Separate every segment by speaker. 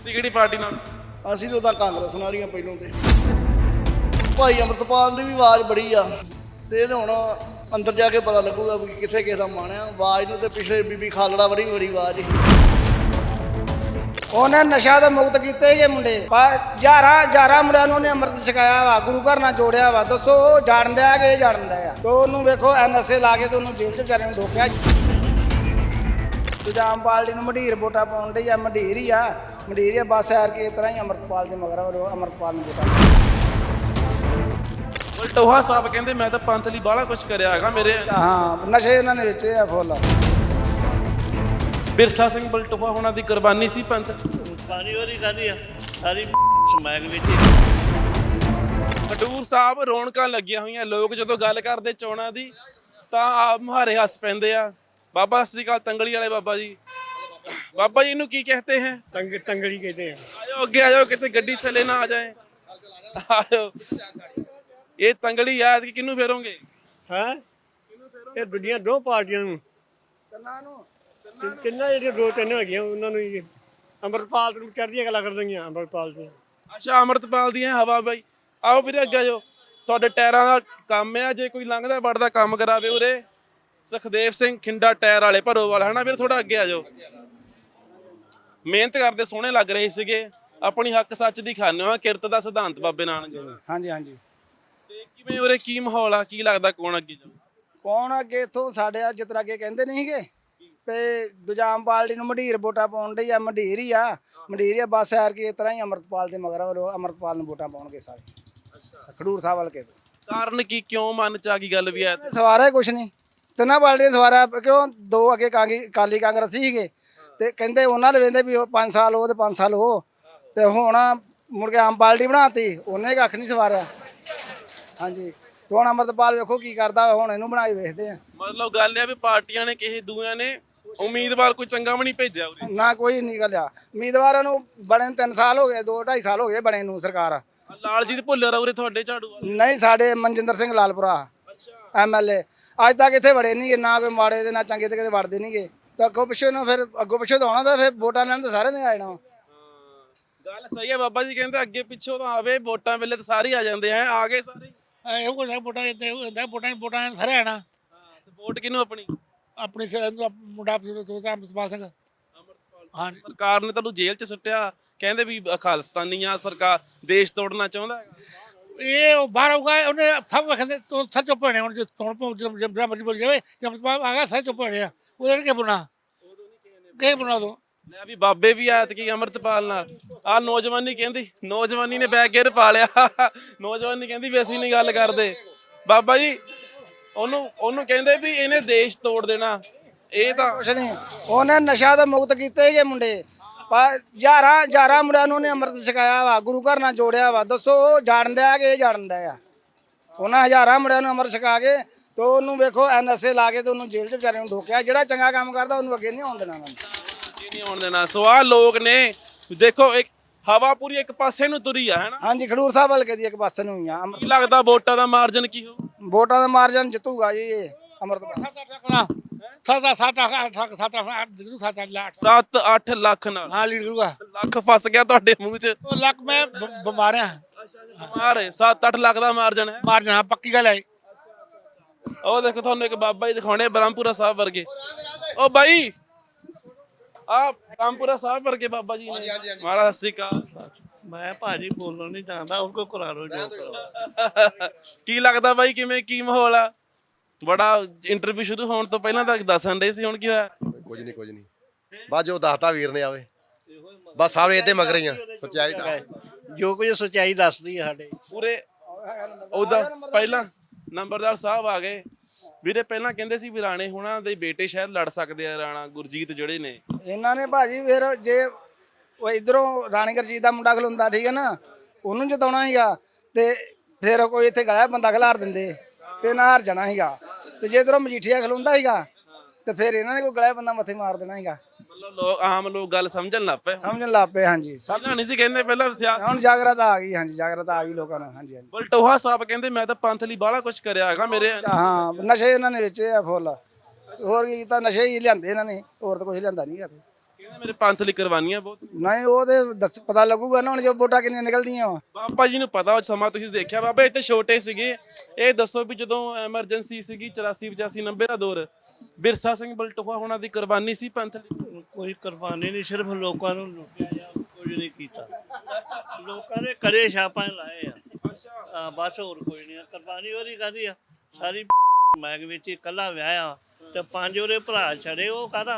Speaker 1: ਤੁਸੀਂ ਕਿਹੜੀ ਪਾਰਟੀ ਨਾਲ?
Speaker 2: ਅਸੀਂ ਤਾਂ ਕਾਂਗਰਸ ਨਾਲ ਹੀ ਆ ਪਹਿਲੋਂ ਤੇ। ਭਾਈ ਅੰਮ੍ਰਿਤਪਾਲ ਦੀ ਵੀ ਆਵਾਜ਼ ਬੜੀ ਆ ਤੇ ਇਹਨੇ ਹੁਣ ਅੰਦਰ ਜਾ ਕੇ ਪਤਾ ਲੱਗੂਗਾ ਵੀ ਕਿੱਥੇ ਕਿਸੇ ਦਾ ਮਨ ਆ। ਆਵਾਜ਼ ਨੂੰ ਤੇ ਪਿਛਲੇ ਬੀਬੀ ਖਾਲੜਾ ਬੜੀ ਆਵਾਜ਼ ਸੀ।
Speaker 3: ਉਹਨੇ ਨਸ਼ਾ ਤੋਂ ਮੁਕਤ ਕੀਤੇ ਇਹ ਮੁੰਡੇ ਹਜ਼ਾਰਾਂ ਮੁੰਡਿਆਂ ਨੂੰ ਉਹਨੇ ਅੰਮ੍ਰਿਤ ਛਕਾਇਆ ਵਾ, ਗੁਰੂ ਘਰ ਨਾਲ ਜੋੜਿਆ ਵਾ। ਦੱਸੋ ਉਹ ਜਾਣ ਡਿਆ ਕਿ ਇਹ ਜਾਣ ਡਿਆ ਆ? ਤੇ ਉਹਨੂੰ ਵੇਖੋ ਐਨਐਸਏ ਲਾ ਕੇ ਤੇ ਉਹਨੂੰ ਜੇਲ੍ਹ 'ਚ ਵਿਚਾਰੇ ਨੂੰ ਢੋਕਿਆ। ਦੂਜਾ ਆਮ ਪਾਰਟੀ ਨੂੰ ਮੰਡੀਰ ਵੋਟਾਂ ਪਾਉਣ ਡਈ ਆ, ਮੰਡੀਰ ਹੀ ਆ ਬਸ ਐਰ ਕੇ ਇਸ ਤਰ੍ਹਾਂ ਹੀ ਅੰਮ੍ਰਿਤਪਾਲ ਦੇ ਮਗਰ ਅੰਮ੍ਰਿਤਪਾਲ ਨੂੰ ਵੋਟਾਂ।
Speaker 1: ਬਲਟੋਹਾ ਸਾਹਿਬ ਕਹਿੰਦੇ ਮੈਂ ਤਾਂ ਪੰਥ ਲਈ ਬਾਹਲਾ ਕੁਝ ਕਰਿਆ ਹੈਗਾ ਮੇਰੇ।
Speaker 3: ਹਾਂ, ਨਸ਼ੇ ਇਹਨਾਂ ਨੇ ਵੇਚੇ ਆ ਫੁੱਲ।
Speaker 1: ਬਿਰਸਾ ਸਿੰਘ ਬਲਟੋਹਾ ਹੋਣਾ ਦੀ ਕੁਰਬਾਨੀ ਸੀ ਪੰਥ।
Speaker 4: ਪਾਣੀ ਵਾਰੀ ਕਾਹਦੀ ਆ ਸਾਰੀ ਸਮੈਕ ਵਿੱਚ।
Speaker 1: ਖਡੂਰ ਸਾਹਿਬ ਰੌਣਕਾਂ ਲੱਗੀਆਂ ਹੋਈਆਂ। ਲੋਕ ਜਦੋਂ ਗੱਲ ਕਰਦੇ ਚੋਣਾਂ ਦੀ ਤਾਂ ਆਪ ਮੁਹਾਰੇ ਹੱਸ ਪੈਂਦੇ ਆ। ਬਾਬਾ ਸਤਿ ਸ਼੍ਰੀ ਅਕਾਲ। ਤੰਗਲੀ ਵਾਲੇ ਬਾਬਾ ਜੀ, ਬਾਬਾ ਜੀ ਨੂੰ ਕੀ ਕਹਤੇ हैं?
Speaker 4: ਤੰਗੜੀ ਕਹਿੰਦੇ ਆ।
Speaker 1: ਆਜੋ ਅੱਗੇ ਆਜੋ, ਕਿਤੇ ਗੱਡੀ ਥੱਲੇ ਨਾ ਆ ਜਾਏ। ਆਜੋ, ਇਹ ਤੰਗਲੀ ਆ ਕਿ ਕਿਹਨੂੰ ਫੇਰੋਗੇ?
Speaker 4: ਹੈ ਇਹ ਦੁਨੀਆ ਦੋ ਪਾਰਟੀਆਂ ਨੂੰ ਤਿੰਨਾਂ ਜਿਹੜੀਆਂ ਦੋ ਤਿੰਨ ਹੈਗੀਆਂ ਉਹਨਾਂ ਨੂੰ ਹੀ ਅੰਮ੍ਰਿਤਪਾਲ ਨੂੰ ਚੜ੍ਹਦੀਆਂ ਗੱਲਾਂ ਕਰ ਦਈਆਂ ਅੰਮ੍ਰਿਤਪਾਲ ਦੀਆਂ।
Speaker 1: ਅੱਛਾ, ਅੰਮ੍ਰਿਤਪਾਲ ਦੀ ਹਵਾ ਬਾਈ। ਆਓ ਵੀਰੇ ਅੱਗੇ ਆਜੋ। ਤੁਹਾਡੇ ਟਾਇਰਾਂ ਦਾ ਕੰਮ ਆ, ਜੇ ਕੋਈ ਲੰਘਦਾ ਵੜਦਾ ਕੰਮ ਕਰਾਵੇ ਉਰੇ। ਸੁਖਦੇਵ ਸਿੰਘ ਖਿੰਡਾ ਟਾਇਰ ਵਾਲੇ ਭਰੋਵਾਲ, ਹਨਾ ਵੀਰੇ? ਥੋੜਾ ਅੱਗੇ ਆਜੋ। ਮਿਹਨਤ ਕਰਦੇ ਸੋਹਣੇ ਲੱਗ ਰਹੇ ਸੀਗੇ। ਆਪਣੀ ਹੱਕ ਸੱਚ ਦੀ ਖਾਨੇ ਹੋ, ਕਿਰਤ ਦਾ ਸਿਧਾਂਤ ਬਾਬੇ ਨਾਨਕ ਜੀ ਦਾ।
Speaker 3: ਹਾਂਜੀ।
Speaker 1: ਤੇ ਕਿਵੇਂ ਉਰੇ ਕੀ ਮਾਹੌਲ ਆ? ਕੀ ਲੱਗਦਾ ਕੌਣ ਅੱਗੇ ਜਾਊ?
Speaker 3: ਕੌਣ ਅੱਗੇ ਇੱਥੋਂ ਸਾਡੇ ਆ ਜਿਸ ਤਰ੍ਹਾਂ ਅੱਗੇ ਕਹਿੰਦੇ ਨਹੀਂ ਸੀਗੇ ਤੇ ਦੂਜਾ ਆਮ ਪਾਰਟੀ ਨੂੰ ਮੰਡੀਰ ਵੋਟਾਂ ਪਾਉਣ ਡਈ ਆ, ਮੰਡੀਰ ਹੀ ਆ ਬਸ ਐਰ ਕੇ ਇਸ ਤਰ੍ਹਾਂ ਹੀ ਅੰਮ੍ਰਿਤਪਾਲ ਦੇ ਮਗਰ ਅੰਮ੍ਰਿਤਪਾਲ ਨੂੰ ਵੋਟਾਂ ਪਾਉਣਗੇ ਸਾਰੇ ਖਡੂਰ ਸਾਹਿਬ ਵੱਲ ਕੇ।
Speaker 1: ਕਾਰਨ ਕੀ, ਕਿਉਂ ਮਨ ਚ ਆ ਗਈ ਗੱਲ ਵੀ ਐ?
Speaker 3: ਸਵਾਰਾ ਹੀ ਕੁਛ ਨਹੀਂ, ਤਿੰਨਾਂ ਪਾਰਟੀਆਂ ਸਵਾਰਾ ਕਿਉਂ? ਦੋ ਅੱਗੇ ਅਕਾਲੀ ਕਾਂਗਰਸੀ ਸੀਗੇ ਤੇ ਕਹਿੰਦੇ ਉਹਨਾਂ ਦੇ ਵੇਂਦੇ ਵੀ 5 ਸਾਲ ਉਹ ਤੇ 5 ਸਾਲ ਉਹ, ਤੇ ਹੁਣ ਮੁੜ ਕੇ ਆਮ ਪਾਰਟੀ ਬਣਾਤੀ, ਉਹਨੇ ਕੱਖ ਨਹੀਂ ਸਵਾਰਿਆ। ਹਾਂਜੀ, ਤੇ ਹੁਣ ਅੰਮ੍ਰਿਤਪਾਲ ਵੇਖੋ ਕੀ ਕਰਦਾ, ਹੁਣ ਇਹਨੂੰ ਬਣਾਈ ਵੇਖਦੇ ਆ।
Speaker 1: ਮਤਲਬ ਗੱਲ ਇਹ ਵੀ ਪਾਰਟੀਆਂ ਨੇ ਕਿਸੇ ਦੂਆਂ ਨੇ ਉਮੀਦਵਾਰ ਕੋਈ ਚੰਗਾ ਵੀ ਨਹੀਂ ਭੇਜਿਆ ਉਰੇ।
Speaker 3: ਨਾ ਕੋਈ ਨਹੀਂ ਨਿਕਲਿਆ ਉਮੀਦਵਾਰਾਂ ਨੂੰ ਬਣੇ 3 ਸਾਲ ਹੋ ਗਏ, 2-2.5 ਸਾਲ ਹੋ ਗਏ ਬਣੇ ਨੂੰ ਸਰਕਾਰ।
Speaker 1: ਲਾਲਜੀਤ ਭੁੱਲਰ ਉਰੇ ਤੁਹਾਡੇ ਝਾੜੂ ਵਾਲੇ?
Speaker 3: ਨਹੀਂ, ਸਾਡੇ ਮਨਜਿੰਦਰ ਸਿੰਘ ਲਾਲਪੁਰਾ MLA ਅੱਜ ਤੱਕ ਇੱਥੇ ਵੜੇ ਨਹੀਂ, ਨਾ ਕੋਈ ਮਾੜੇ ਦੇ ਨਾ ਚੰਗੇ ਤੇ ਕਿਤੇ ਵੜਦੇ ਨਹੀਂਗੇ। ਤਾਂ ਅੱਗੋਂ ਪਿੱਛੋਂ ਨਾ ਫਿਰ ਅੱਗੋਂ ਪਿੱਛੋਂ ਤਾਂ ਆਉਣਾ, ਤਾਂ ਫਿਰ ਵੋਟਾਂ ਲੈਣ ਤਾਂ ਸਾਰਿਆਂ ਨੇ ਆ ਜਾਣਾ।
Speaker 1: ਗੱਲ ਸਹੀ ਹੈ ਬਾਬਾ ਜੀ, ਕਹਿੰਦੇ ਅੱਗੇ ਪਿੱਛੋਂ ਤਾਂ ਆਵੇ, ਵੋਟਾਂ ਵੇਲੇ ਤਾਂ ਸਾਰੇ ਆ ਜਾਂਦੇ ਆ। ਆ ਗਏ ਸਾਰੇ?
Speaker 5: ਇਹੋ ਕੁਝ ਵੋਟਾਂ ਸਾਰੇ ਆਣਾ।
Speaker 1: ਤੇ ਵੋਟ ਕਿਹਨੂੰ ਆਪਣੀ?
Speaker 5: ਆਪਣੀ ਮੁੰਡਾ ਅੰਮ੍ਰਿਤਪਾਲ ਸਿੰਘ। ਹਾਂ,
Speaker 1: ਸਰਕਾਰ ਨੇ ਤੁਹਾਨੂੰ ਜੇਲ੍ਹ 'ਚ ਸੁੱਟਿਆ, ਕਹਿੰਦੇ ਵੀ ਖਾਲਿਸਤਾਨੀ ਆ, ਸਰਕਾਰ ਦੇਸ਼ ਤੋੜਨਾ ਚਾਹੁੰਦਾ ਹੈਗਾ।
Speaker 5: ਇਹ ਬਾਹਰ ਆਊਗਾ, ਉਹਨੇ ਸਭ ਕਹਿੰਦੇ ਤੂੰ ਸੱਚ ਚੁੱਪ ਹੋਣੇ। ਹੁਣ ਜੇ ਜਿਹੜਾ ਮਰਜ਼ੀ ਬੋਲ ਜਾਵੇ, ਜੇ ਅੰਮ੍ਰਿਤਪਾਲ ਆ ਗਿਆ ਸਾਰੇ ਚੁੱਪ ਹੋਣੇ ਆ। ਉਹਦੇ ਕੀ ਬੁਣਾ ਤੂੰ?
Speaker 1: ਲੈ ਵੀ ਬਾਬੇ ਵੀ ਆਇਆ ਕਿ ਅੰਮ੍ਰਿਤਪਾਲ ਨਾਲ ਆ ਨੌਜਵਾਨੀ ਕਹਿੰਦੀ, ਨੌਜਵਾਨੀ ਨੇ ਬੈਗ ਗੇਰ ਪਾ ਲਿਆ। ਨੌਜਵਾਨੀ ਕਹਿੰਦੀ ਵੀ ਅਸੀਂ ਨਹੀਂ ਗੱਲ ਕਰਦੇ। ਬਾਬਾ ਜੀ ਉਹਨੂੰ ਕਹਿੰਦੇ ਵੀ ਇਹਨੇ ਦੇਸ਼ ਤੋੜ ਦੇਣਾ। ਇਹ ਤਾਂ
Speaker 3: ਕੁਛ ਨਹੀਂ, ਉਹਨੇ ਨਸ਼ਾ ਤੋਂ ਮੁਕਤ ਕੀਤੇ ਇਹ ਮੁੰਡੇ ਹਜ਼ਾਰਾਂ ਮੁੰਡਿਆਂ ਨੂੰ ਉਹਨੇ ਅੰਮ੍ਰਿਤ ਛਕਾਇਆ ਵਾ, ਗੁਰੂ ਘਰ ਨਾਲ ਜੋੜਿਆ ਵਾ। ਦੱਸੋ ਉਹ ਜਾਣ ਡਿਆ ਕਿ ਇਹ ਜਾਣ ਡਿਆ ਆ? ਉਹਨਾਂ ਹਜ਼ਾਰਾਂ ਮੁੰਡਿਆਂ ਨੂੰ ਅੰਮ੍ਰਿਤ ਛਕਾ ਕੇ ਤੇ ਉਹਨੂੰ ਵੇਖੋ ਐਨਐਸਏ ਲਾ ਕੇ ਤੇ ਉਹਨੂੰ ਜੇਲ੍ਹ 'ਚ ਵਿਚਾਰੇ ਨੂੰ ਢੋਕਿਆ। ਜਿਹੜਾ ਚੰਗਾ ਕੰਮ ਕਰਦਾ ਉਹਨੂੰ ਅੱਗੇ ਨਹੀਂ ਆਉਣ ਦੇਣਾ ਉਹਨਾਂ ਨੇ।
Speaker 1: ਨਹੀਂ ਆਉਣ ਦੇਣਾ। ਸੋ ਆਹ ਲੋਕ ਨੇ, ਦੇਖੋ ਇੱਕ ਹਵਾ ਪੂਰੀ ਇੱਕ ਪਾਸੇ ਨੂੰ ਤੁਰੀ ਆ, ਹੈਨਾ?
Speaker 3: ਹਾਂਜੀ, ਖਡੂਰ ਸਾਹਿਬ ਹਲਕੇ ਦੀ ਇੱਕ ਪਾਸੇ ਨੂੰ ਹੀ ਆ।
Speaker 1: ਕੀ ਲੱਗਦਾ ਵੋਟਾਂ ਦਾ ਮਾਰਜਨ ਕੀ ਹੋ?
Speaker 3: ਵੋਟਾਂ ਦਾ ਮਾਰਜਨ ਜਿੱਤੂਗਾ ਜੀ ਇਹ ਅੰਮ੍ਰਿਤਪਾਲ।
Speaker 1: 7-8 ਲੱਖ ਨਾਲ?
Speaker 5: ਹਾਂ, ਲੀਡ ਕਰੂਗਾ।
Speaker 1: ਲੱਖ ਫਸ ਗਿਆ ਤੁਹਾਡੇ ਮੂੰਹ 'ਚ।
Speaker 5: ਉਹ ਲੱਕ ਮੈਂ ਬਿਮਾਰ ਆ।
Speaker 1: ਮਾਰੇ 7-8 ਲੱਖ ਦਾ ਮਾਰਜਨ ਹੈ।
Speaker 5: ਮਾਰ ਜਾਣਾ ਪੱਕੀ ਗੱਲ ਹੈ।
Speaker 1: ਉਹ ਦੇਖੋ ਤੁਹਾਨੂੰ ਇੱਕ ਬਾਬਾ ਜੀ ਦਿਖਾਉਣੇ ਬ੍ਰਹਮਪੁਰਾ ਸਾਹਿਬ ਵਰਗੇ। ਉਹ ਬਾਈ ਆ ਬ੍ਰਹਮਪੁਰਾ ਸਾਹਿਬ ਵਰਗੇ ਬਾਬਾ ਜੀ ਨੇ। ਮਹਾਰਾਜ ਸਤਿ ਸ਼੍ਰੀ ਅਕਾਲ।
Speaker 4: ਮੈਂ ਭਾਜੀ ਬੋਲਣ ਨਹੀਂ ਜਾਣਦਾ, ਉਹ ਕੋ ਕਰਾ ਲੋ ਜੋ ਕਰੋ।
Speaker 1: ਕੀ ਲੱਗਦਾ ਬਾਈ, ਕਿਵੇਂ ਕੀ ਮਾਹੌਲ ਆ? ਬੜਾ ਇੰਟਰਵਿਊ ਸ਼ੁਰੂ ਹੋਣ ਤੋਂ ਪਹਿਲਾਂ ਤਾਂ ਦੱਸਣ ਦੇ ਸੀ, ਹੁਣ ਕੀ ਹੋਇਆ?
Speaker 6: ਕੁਝ ਨਹੀਂ ਬਸ ਜੋ ਦੱਸਤਾ ਵੀਰ ਨੇ ਆਵੇ, ਬਸ ਸਾਰੇ ਇਹਦੇ ਮਗਰ ਹੀ ਆ। ਸੱਚਾਈ ਦਾ
Speaker 4: ਜੋ ਕੁਝ ਸੱਚਾਈ ਦੱਸਦੀ ਹੈ ਸਾਡੇ
Speaker 1: ਪੂਰੇ। ਉਹਦਾ ਪਹਿਲਾਂ ਨੰਬਰਦਾਰ ਸਾਹਿਬ ਆ ਗਏ ਵੀਰੇ। ਪਹਿਲਾਂ ਕਹਿੰਦੇ ਸੀ ਵੀ ਰਾਣੇ ਹੋਣਾ ਦੇ ਬੇਟੇ ਸ਼ਾਇਦ ਲੜ ਸਕਦੇ ਆ, ਰਾਣਾ ਗੁਰਜੀਤ ਜਿਹੜੇ ਨੇ।
Speaker 3: ਇਹਨਾਂ ਨੇ ਭਾਜੀ ਫਿਰ ਜੇ ਉਹ ਇਧਰੋਂ ਰਾਣੀ ਗੁਰਜੀਤ ਦਾ ਮੁੰਡਾ ਖਲੋਂਦਾ, ਠੀਕ ਹੈ ਨਾ, ਉਹਨੂੰ ਜਿਤਾਉਣਾ ਸੀਗਾ ਤੇ ਫਿਰ ਕੋਈ ਇੱਥੇ ਗਲਿਆ ਬੰਦਾ ਖਿਲਾਰ ਦਿੰਦੇ ਤੇ ਨਾ ਹਾਰ ਜਾਣਾ ਸੀਗਾ। ਤੇ ਜੇ ਇਧਰੋਂ ਮਜੀਠੀਆ ਖਲੋਂਦਾ ਸੀਗਾ ਤੇ ਫਿਰ ਇਹਨਾਂ ਨੇ ਕੋਈ ਗਲਿਆ ਬੰਦਾ ਮੱਥੇ ਮਾਰ ਦੇਣਾ ਸੀਗਾ।
Speaker 1: ਮਤਲਬ ਆਮ ਲੋਕ ਗੱਲ ਸਮਝਣ ਲੱਗ ਪਏ।
Speaker 3: ਹਾਂਜੀ।
Speaker 1: ਪਹਿਲਾਂ ਨਹੀਂ ਸੀ ਕਹਿੰਦੇ, ਪਹਿਲਾਂ ਸਿਆਸਤ।
Speaker 3: ਹੁਣ ਜਾਗਰਤਾ ਆ ਗਈ। ਹਾਂਜੀ, ਜਾਗਰਤਾ ਆ ਗਈ ਲੋਕਾਂ ਨੂੰ। ਹਾਂਜੀ।
Speaker 1: ਬਲਟੋਹਾ ਸਾਹਿਬ ਕਹਿੰਦੇ ਮੈਂ ਤਾਂ ਪੰਥ ਲਈ ਬਾਹਲਾ ਕੁਝ ਕਰਿਆ ਹੈਗਾ ਮੇਰੇ।
Speaker 3: ਹਾਂ, ਨਸ਼ੇ ਇਹਨਾਂ ਨੇ ਵੇਚੇ ਆ ਫੁੱਲ। ਹੋਰ ਕੀ ਕੀਤਾ? ਨਸ਼ੇ ਹੀ ਲਿਆਂਦੇ ਇਹਨਾਂ ਨੇ, ਹੋਰ ਤਾਂ ਕੁਝ ਲਿਆਂਦਾ ਨਹੀਂ ਗਾ।
Speaker 1: ਮੇਰੇ ਪੰਥ ਲਈ ਕੁਰਬਾਨੀਆਂ ਬਹੁਤ ਨੇ।
Speaker 3: ਨਹੀਂ ਉਹ ਤੇ ਪਤਾ ਲੱਗੂਗਾ ਨਾ ਹੁਣ ਜੋ ਵੋਟਾਂ ਕਿੰਨੀਆਂ ਨਿਕਲਦੀਆਂ ਵਾ।
Speaker 1: ਬਾਬਾ ਜੀ ਨੂੰ ਪਤਾ ਉਹ ਸਮਾਂ ਤੁਸੀਂ ਦੇਖਿਆ ਬਾਬਾ ਇੱਥੇ ਛੋਟੇ ਸੀਗੇ। ਇਹ ਦੱਸੋ ਵੀ ਜਦੋਂ ਐਮਰਜੈਂਸੀ ਸੀਗੀ 84 85 90 ਦਾ ਦੌਰ ਬਿਰਸਾ ਸਿੰਘ ਬਲਟੋਹਾ ਹੋਣਾ ਦੀ ਕੁਰਬਾਨੀ ਸੀ ਪੰਥ ਲਈ।
Speaker 2: ਕੋਈ ਕੁਰਬਾਨੀ ਨਹੀਂ, ਸਿਰਫ ਲੋਕਾਂ ਨੂੰ ਲੁੱਟਿਆ ਜਾਂ ਕੁਝ ਨਹੀਂ ਕੀਤਾ। ਲੋਕਾਂ ਦੇ ਕੜੇ ਛਾਪਾਂ ਲਾਏ ਆ ਬਸ, ਹੋਰ ਕੋਈ ਨਹੀਂ। ਕੁਰਬਾਨੀ ਉਹਦੀ ਕਾਹਦੀ ਆ? ਸਾਰੀ ਮੈਗ ਵਿੱਚ ਇਕੱਲਾ ਵਿਆਹਿਆ ਤੇ 5 ਉਹਦੇ ਭਰਾ ਛੜੇ, ਉਹ ਕਾਹਦਾ?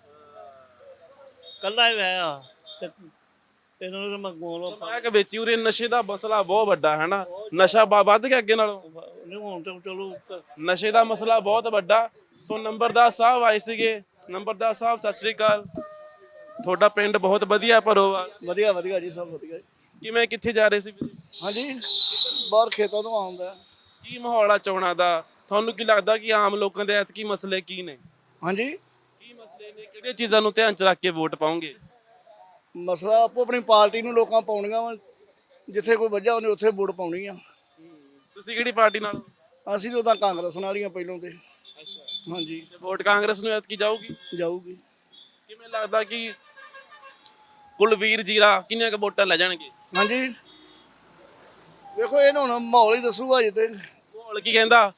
Speaker 2: ਕੱਲਾ ਹੀ ਵਿਆਹਿਆ ਤੇ ਇਹਨਾਂ ਨੂੰ ਮੈਂ ਗੋਲੋਂ
Speaker 1: ਮੈਂ ਕਿ ਵਿੱਚ ਹੀ ਉਰੇ ਨਸ਼ੇ ਦਾ ਮਸਲਾ ਬਹੁਤ ਵੱਡਾ ਹੈ ਨਾ। ਨਸ਼ਾ ਵੱਧ ਗਿਆ ਅੱਗੇ ਨਾਲੋਂ।
Speaker 2: ਨਹੀਂ ਹੁਣ ਤਾਂ ਚਲੋ
Speaker 1: ਨਸ਼ੇ ਦਾ ਮਸਲਾ ਬਹੁਤ ਵੱਡਾ। ਸੋ ਨੰਬਰਦਾਰ ਸਾਹਿਬ ਆਏ ਸੀਗੇ। ਨੰਬਰਦਾਰ ਸਾਹਿਬ ਸਤਿ ਸ੍ਰੀ ਅਕਾਲ। ਤੁਹਾਡਾ ਪਿੰਡ ਬਹੁਤ ਵਧੀਆ ਭਰੋਵਾਲ।
Speaker 2: ਵਧੀਆ ਵਧੀਆ ਜੀ, ਸਭ ਵਧੀਆ।
Speaker 1: ਕਿਵੇਂ ਕਿੱਥੇ ਜਾ ਰਹੇ ਸੀ ਵੀਰੇ?
Speaker 2: ਹਾਂਜੀ, ਬਾਹਰ ਖੇਤਾਂ ਤੋਂ ਆਉਂਦਾ।
Speaker 1: ਕੀ ਮਾਹੌਲ ਆ ਚੋਣਾਂ ਦਾ? ਤੁਹਾਨੂੰ ਕੀ ਲੱਗਦਾ ਕਿ ਆਮ ਲੋਕਾਂ ਦੇ ਐਤਕੀ ਮਸਲੇ ਕੀ ਨੇ?
Speaker 2: ਹਾਂਜੀ,
Speaker 1: ਕੀ ਮਸਲੇ ਨੇ? ਕਿਹੜੀਆਂ ਚੀਜ਼ਾਂ ਨੂੰ ਧਿਆਨ ਚ ਰੱਖ ਕੇ ਵੋਟ ਪਾਉਂਗੇ?
Speaker 2: ਮਸਲਾ ਆਪੋ ਆਪਣੀ ਪਾਰਟੀ ਨੂੰ ਲੋਕਾਂ ਪਾਉਣੀਆਂ ਵਾ। ਜਿੱਥੇ ਕੋਈ ਵਜ੍ਹਾ ਉਹਨੇ ਉੱਥੇ ਵੋਟ ਪਾਉਣੀ ਆ।
Speaker 1: ਤੁਸੀਂ ਕਿਹੜੀ ਪਾਰਟੀ ਨਾਲ?
Speaker 2: ਅਸੀਂ ਤਾਂ ਕਾਂਗਰਸ ਨਾਲ ਹੀ ਆ ਪਹਿਲੋਂ ਤੇ। ਹਾਂਜੀ,
Speaker 1: ਤੇ ਵੋਟ ਕਾਂਗਰਸ ਨੂੰ ਐਤਕੀ ਜਾਊਗੀ?
Speaker 2: ਜਾਊਗੀ।
Speaker 1: ਕਿਵੇਂ ਲੱਗਦਾ ਕਿ ਕੁਲਵੀਰ ਜੀਰਾ ਕਿੰਨੀਆਂ ਕੁ ਵੋਟਾਂ ਲੈ ਜਾਣਗੇ?
Speaker 2: ਹਾਂਜੀ, ਵੇਖੋ ਇਹ ਹੁਣ ਮਾਹੌਲ ਹੀ ਦੱਸੂਗਾ ਅਜੇ ਤੇ।
Speaker 1: ਮਾਹੌਲ ਕੀ ਕਹਿੰਦਾ?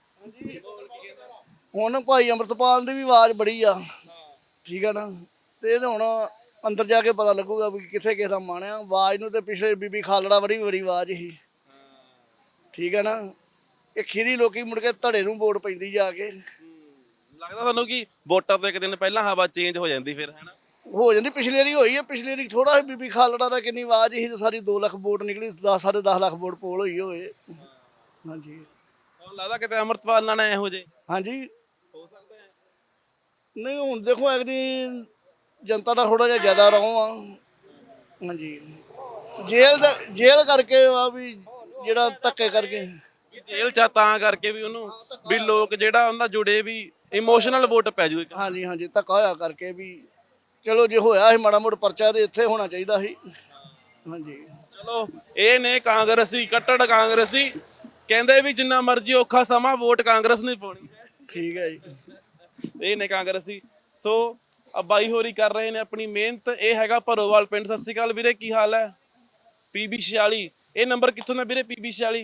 Speaker 2: ਹੁਣ ਭਾਈ ਅੰਮ੍ਰਿਤਪਾਲ ਦੀ ਵੀ ਆਵਾਜ਼ ਬੜੀ ਆ, ਠੀਕ ਆ ਨਾ। ਤੇ ਇਹ ਹੁਣ ਅੰਦਰ ਜਾ ਕੇ ਪਤਾ ਲੱਗੂਗਾ ਵੀ ਕਿੱਥੇ ਕਿਸ ਦਾ ਮਨ ਆ। ਆਵਾਜ਼ ਨੂੰ ਤੇ ਪਿਛਲੇ ਬੀਬੀ ਖਾਲੜਾ ਬੜੀ ਆਵਾਜ਼ ਸੀ, ਠੀਕ ਆ ਨਾ। ਇਹ ਖੀਰੀ ਲੋਕੀ ਮੁੜ ਕੇ ਧੜੇ ਨੂੰ ਵੋਟ ਪੈਂਦੀ ਜਾ ਕੇ।
Speaker 1: ਲੱਗਦਾ ਤੁਹਾਨੂੰ ਕਿ ਵੋਟਾਂ ਤੋਂ ਇੱਕ ਦਿਨ ਪਹਿਲਾਂ ਹਵਾ ਚੇਂਜ ਹੋ ਜਾਂਦੀ ਫਿਰ, ਹੈ ਨਾ?
Speaker 2: ਹੋ ਜਾਂਦੀ। ਪਿਛਲੇ ਵਾਰੀ ਹੋਈ ਹੈ, ਪਿਛਲੇ ਵਾਰੀ ਥੋੜਾ ਜਿਹਾ ਬੀਬੀ ਖਾਲੜਾ ਦਾ ਕਿੰਨੀ ਆਵਾਜ਼ ਸੀ, ਸਾਰੀ 2 ਲੱਖ ਵੋਟ ਨਿਕਲੀ, 10.5 ਲੱਖ ਵੋਟ ਪੋਲ ਹੋਈ ਹੋਏ। ਹਾਂਜੀ,
Speaker 1: ਤੁਹਾਨੂੰ ਲੱਗਦਾ ਕਿਤੇ ਅੰਮ੍ਰਿਤਪਾਲ ਨਾਲ ਇਹੋ ਜੇ
Speaker 2: ਹਾਂਜੀ ਹੋ ਸਕਦਾ ਹੈ? ਨਹੀਂ ਹੁਣ ਦੇਖੋ ਇੱਕ ਦੀ ਜਨਤਾ ਦਾ ਥੋੜਾ ਜਿਹਾ ਜ਼ਿਆਦਾ ਰੌਂ ਆ। ਹਾਂਜੀ, ਜੇਲ੍ਹ ਕਰਕੇ ਆ ਵੀ, ਜਿਹੜਾ ਧੱਕੇ ਕਰਕੇ।
Speaker 1: ਵੀ ਜੇਲ੍ਹ ਚ ਤਾਂ ਕਰਕੇ ਵੀ ਉਹਨੂੰ ਵੀ ਲੋਕ ਜਿਹੜਾ ਉਹਨਾਂ ਜੁੜੇ ਵੀ ਇਮੋਸ਼ਨਲ ਵੋਟ ਪੈ ਜੂ।
Speaker 2: ਹਾਂਜੀ ਹਾਂਜੀ, ਧੱਕਾ ਹੋਇਆ ਕਰਕੇ ਵੀ। ਚਲੋ ਜੇ ਹੋਇਆ ਸੀ ਮਾੜਾ ਮੋਟਾ ਪਰਚਾ ਤੇ ਇੱਥੇ ਹੋਣਾ ਚਾਹੀਦਾ ਸੀ। ਹਾਂਜੀ,
Speaker 1: ਚਲੋ ਇਹ ਨੇ ਕਾਂਗਰਸੀ, ਕੱਟੜ ਕਾਂਗਰਸੀ। ਕਹਿੰਦੇ ਵੀ ਜਿੰਨਾ ਮਰਜ਼ੀ ਔਖਾ ਸਮਾਂ ਵੋਟ ਕਾਂਗਰਸ ਨੂੰ ਹੀ ਪਾਉਣੀ ਹੈ।
Speaker 2: ਠੀਕ ਹੈ ਜੀ।
Speaker 1: ਇਹ ਨੇ ਕਾਂਗਰਸੀ। ਸੋ ਆ ਬਾਈ ਹੋਰੀ ਕਰ ਰਹੇ ਨੇ ਆਪਣੀ ਮਿਹਨਤ। ਇਹ ਹੈਗਾ ਭਰੋਵਾਲ ਪਿੰਡ। ਸਤਿ ਸ਼੍ਰੀ ਅਕਾਲ ਵੀਰੇ, ਕੀ ਹਾਲ ਹੈ? PB 46 ਇਹ ਨੰਬਰ ਕਿੱਥੋਂ ਦਾ ਵੀਰੇ? PB 46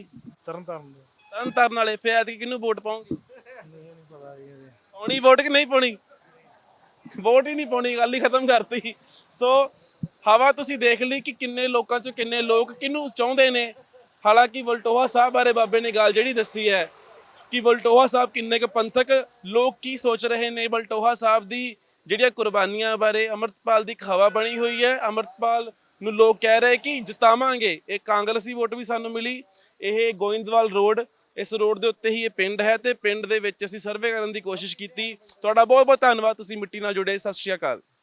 Speaker 1: ਤਰਨ ਵਾਲੇ। ਫਿਰ ਐਤਕੀ ਕਿਹਨੂੰ ਵੋਟ ਪਾਉਂਗੇ? ਪਾਉਣੀ ਵੋਟ ਕਿ ਨਹੀਂ ਪਾਉਣੀ? ਵੋਟ ਹੀ ਨਹੀਂ ਪਾਉਣੀ, ਗੱਲ ਹੀ ਖਤਮ ਕਰਤੀ। ਸੋ ਹਵਾ ਤੁਸੀਂ ਦੇਖ ਲਈ ਕਿ ਕਿੰਨੇ ਲੋਕਾਂ ਚੋਂ ਕਿੰਨੇ ਲੋਕ ਕਿਹਨੂੰ ਚਾਹੁੰਦੇ ਨੇ। ਹਾਲਾਂਕਿ ਵਲਟੋਹਾ ਸਾਹਿਬ ਬਾਰੇ ਬਾਬੇ ਨੇ ਗੱਲ ਜਿਹੜੀ ਦੱਸੀ ਹੈ ਕਿ ਵਲਟੋਹਾ ਸਾਹਿਬ ਕਿੰਨੇ ਕੁ ਪੰਥਕ ਲੋਕ ਕੀ ਸੋਚ ਰਹੇ ਨੇ। ਵਲਟੋਹਾ ਸਾਹਿਬ ਦੀ ਜਿਹੜੀਆਂ ਕੁਰਬਾਨੀਆਂ ਬਾਰੇ ਅੰਮ੍ਰਿਤਪਾਲ ਦੀ ਹਵਾ ਬਣੀ ਹੋਈ ਹੈ। ਅੰਮ੍ਰਿਤਪਾਲ ਨੂੰ ਲੋਕ ਕਹਿ ਰਹੇ ਕਿ ਜਿਤਾਵਾਂਗੇ। ਇਹ ਕਾਂਗਰਸੀ ਵੋਟ ਵੀ ਸਾਨੂੰ ਮਿਲੀ। ਇਹ ਗੋਇੰਦਵਾਲ ਰੋਡ, ਇਸ ਰੋਡ ਦੇ ਉੱਤੇ ਹੀ ਇਹ ਪਿੰਡ ਹੈ ਤੇ ਪਿੰਡ ਦੇ ਵਿੱਚ ਅਸੀਂ ਸਰਵੇ ਕਰਨ ਦੀ ਕੋਸ਼ਿਸ਼ ਕੀਤੀ। ਤੁਹਾਡਾ ਬਹੁਤ ਬਹੁਤ ਧੰਨਵਾਦ, ਤੁਸੀਂ ਮਿੱਟੀ ਨਾਲ ਜੁੜੇ। ਸਤਿ ਸ਼੍ਰੀ ਅਕਾਲ।